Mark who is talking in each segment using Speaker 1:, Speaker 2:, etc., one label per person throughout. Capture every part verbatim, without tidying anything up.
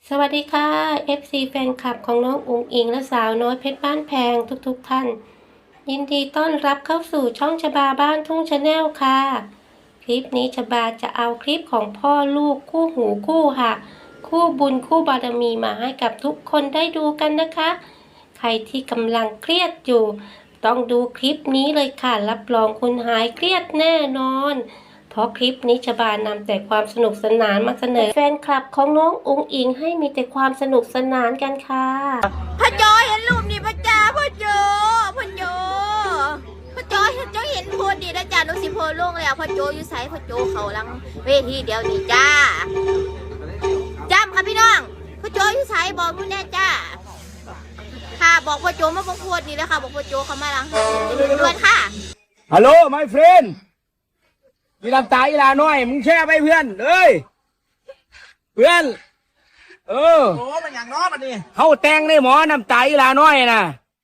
Speaker 1: สวัสดีค่ะ เอฟ ซี แฟนคลับของน้องอุ๋งอิงและสาวน้อยเพชรบ้านแพงทุกๆท่านยินดีต้อนรับเข้าสู่ช่องชบาบ้านทุ่งชาแนลค่ะคลิปนี้ชบาจะเอาคลิปของพ่อลูกคู่หูคู่ค่ะคู่บุญคู่บารมีมาให้กับทุกคนได้ดูกันนะคะใครที่กำลังเครียดอยู่ต้องดูคลิปนี้เลยค่ะรับรองคุณหายเครียดแน่นอนเพราะคลิปนี้ชบานำแต่ความสนุกสนานมาเสนอแฟนคลับของน้องอุ๋งอิงให้มีแต่ความสนุกสนานกันค่ะ
Speaker 2: พ่อจอยเห็นรูปนี่พ่อจ้าพ่อโจพ่อโจพ่อจอยพ่อจอยเห็นโพสดีนะจ้านุสิโพลงแล้วพ่อโจอยู่ไสพ่อโจเขาลังเวทีเดียวนี่จ้าจำค่ะพี่น้องพ่อโจอยู่ไสบอกนู่นแน่จ้าค่ะบอกพ่อโจมาบอกโพสนี่แล้วค่ะบอกพ่อโจเขามาลังด่วนค่ะ
Speaker 3: ฮัลโหล my friend มีลำตาอีลาน้อยมึงแช่ไปเพื่อนเอ้ยเพื่อนเออโอ้มันอย่างน้อยมันนี่เขาแต่งในหมอน้ำตาอีลาน้อยนะ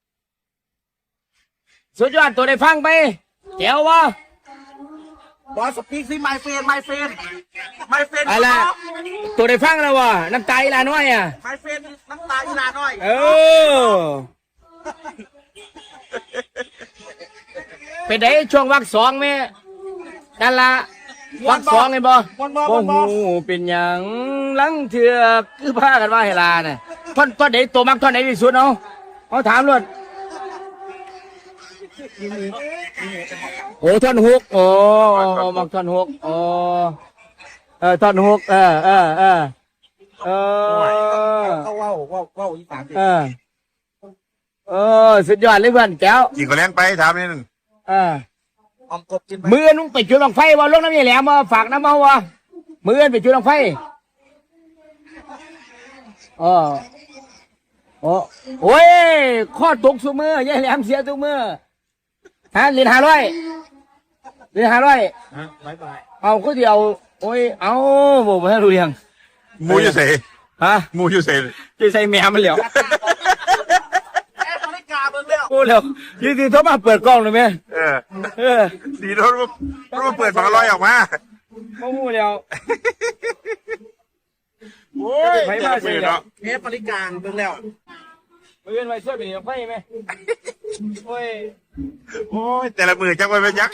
Speaker 3: สุดยอดตัวได้ฟังไปแจ๋ววะ
Speaker 4: บอสปีกสิ my friend my friend my friend
Speaker 3: อะไรตัวได้ฟังแล้ววะน้ำตาอีลาน้อยอ่ะ
Speaker 4: my friend น้ำตาอีลาน้อย
Speaker 3: เออเป็นไงช่วงวักสองแม่นั่นละวักสองไงบ่โอ้โหเป็นอย่างลังเถือกคือผ้ากันว่าเฮลาเนี่ยท่อนท่อนไหนตัวมักท่อนไหนที่สุดเนาะเขาถามเลยโอ้ท่อนฮุกโอ้มักท่อนฮุกโอ้เออท่อนฮุกเออเออเออเออ
Speaker 4: เขาว้าวว้าวว้าวอีสาน
Speaker 3: เออเออสุดยอดเลยเพื่อนแก้ว
Speaker 5: กินก็แรงไปถามนิดนึง
Speaker 3: เออ
Speaker 4: ออมกบกิน
Speaker 3: มือนุ่งไปจุดลงไฟว่าลงน้ำยี่แหลมมาฝากน้ำเมาวะมือไปจุดลงไฟอ๋อโอ้โอ้ยข้อตกสุมือยี่แหลมเสียทุกมือฮะเรียนห้าร้อยเรียนห้าร้อย
Speaker 4: ฮะบายบาย
Speaker 3: เอาก็เดียวโอ้ยเอาบอกมาให้รู้ยัง
Speaker 5: มูอยู่เส
Speaker 3: ฮะ
Speaker 5: มูอยู่เส
Speaker 3: จะใส่แมวมันเหลียวพูดแล้วยืนดีเขามาเปิดกล้องเลยไหม
Speaker 5: เออเออดีรถรถเปิดฝาลอยออกมา
Speaker 3: ไม่พูดแล้ว
Speaker 5: โอ้ยไม่มาเสียเนาะ
Speaker 4: เอฟบริการเบิ่งแล้ว
Speaker 3: มือเป็นไฟช่วยเป็นไฟไหมโอ้ย
Speaker 5: โอ้ยแต่ละมือจักไปไปจัก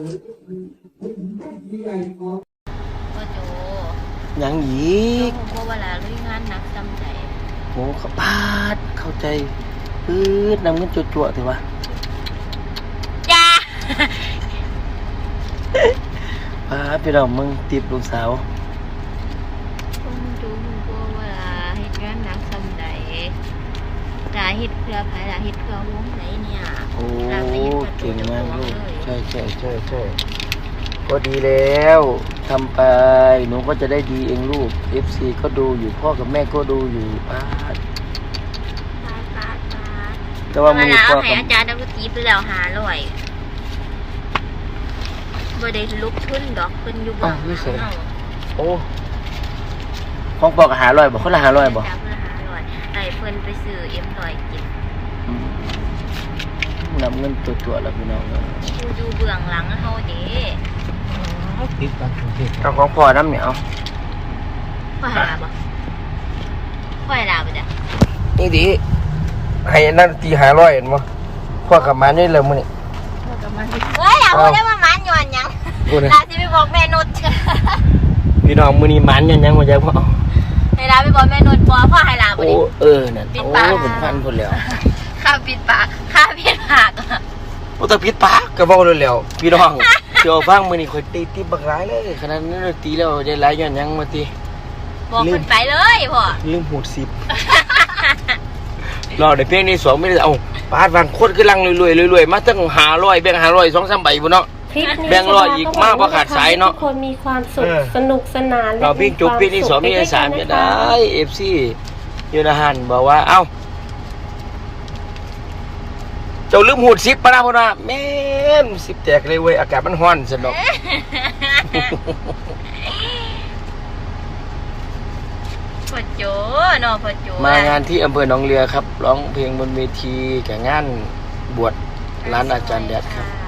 Speaker 2: พ่อโจ
Speaker 3: ยังอีก
Speaker 2: โจเวลาลุยงานหนักจำใจ
Speaker 3: โอ้เขาพาดเข้าใจปื๊ดนำเงินจั่วๆถือวะ
Speaker 2: จ้า
Speaker 3: พาไปเรามึงตีบลูกสาว
Speaker 2: คุณจูคุณโจเวลาเฮ็ดงานหนักจำใจลาเฮ็ดเพื่อไผลาเฮ็ดเพื่อวงไหนเนี่ย
Speaker 3: โอ้เก่งมากลูกใช่ใช่ใช่ใช่ก็ดีแล้วทำไปหนูก็จะได้ดีเองลูก เอฟ ซี ก็ดูอยู่พ่อกับแม่ก็ดูอยู่ป้าแต่ว่า
Speaker 2: มือพ่อให้อาจารย์นักดนตรีไปแล้วหาร้อยบ่ได้ลุกขึ้นดอกเพิ่นอยู่บ่
Speaker 3: โอ้ของบอกหาร้อยบอกเขาละหาร้อยบอก
Speaker 2: ไอ้เพิ่นไปซื้อเอ็มร้อยกิน
Speaker 3: นำเงินตัวๆแล้วพี่น้อง
Speaker 2: อยู่อยู่เบื้องหลังเฮาเด้
Speaker 3: เอาของพ่อน้ำเหนียว
Speaker 2: พ่อหาบ่พ่อหาบ่จ้ะ
Speaker 3: นี่ดิให้นั่นตีหาร้อยเห็นมั้ยพ่อกับมันนี่เลยมึงนี่
Speaker 2: พ่อกับมันเฮ้ยเอาได้มามันย้อนยังลาสิไปบอกแม่นุช
Speaker 3: พี่น้องมื้อนี้มันยังยังบ่ใจพ่อ
Speaker 2: ให้ลาไปบอกแม่นุชบ่พ่อให้ลาบ่ดิ
Speaker 3: โอ้เออนั่นโอ้เป็นพันพุ่นแล้ว
Speaker 2: ข้าปิดปากข้าปิดปาก
Speaker 3: โอ้แต่ปิดปากก็เว้าแล้วพี่น้องเดี๋ยวฟังมื้อนี้ข่อยตีติบักหลายเลยขนาดนั้นตีแล้วได้หลายย้อนยังมาติ
Speaker 2: บอกเพิ่นไปเลยพ่อ
Speaker 3: ลืมหูดสิบรอได้เพียงนี้สองไม่ได้เอาปาดวางโคตรขึ้นลังรวยๆรวยๆมาตั้งหาร้อยแบ่งหาร้อยสองสามใบบุญเนาะแบ่งร้อยอีกมากกว่าขาดสายเนาะ
Speaker 1: คนมีความสุขสนุกสนาน
Speaker 3: เราพี่จุ๊บพี่นี่สองพี่สามจะได้เอฟซียูนาฮันบอกว่าเอ้าเจ้าลืมหูดสิบปะนะพ่อนะแม่สิบแตกเลยเว้ยอากาศมันร้อนสนุก
Speaker 2: พ่อโจเนาะพ่อโจ
Speaker 3: มางานที่อำเภอหนองเรือครับร้องเพลงบนเวทีแก่งานบวชร้านอาจารย์แดดครับ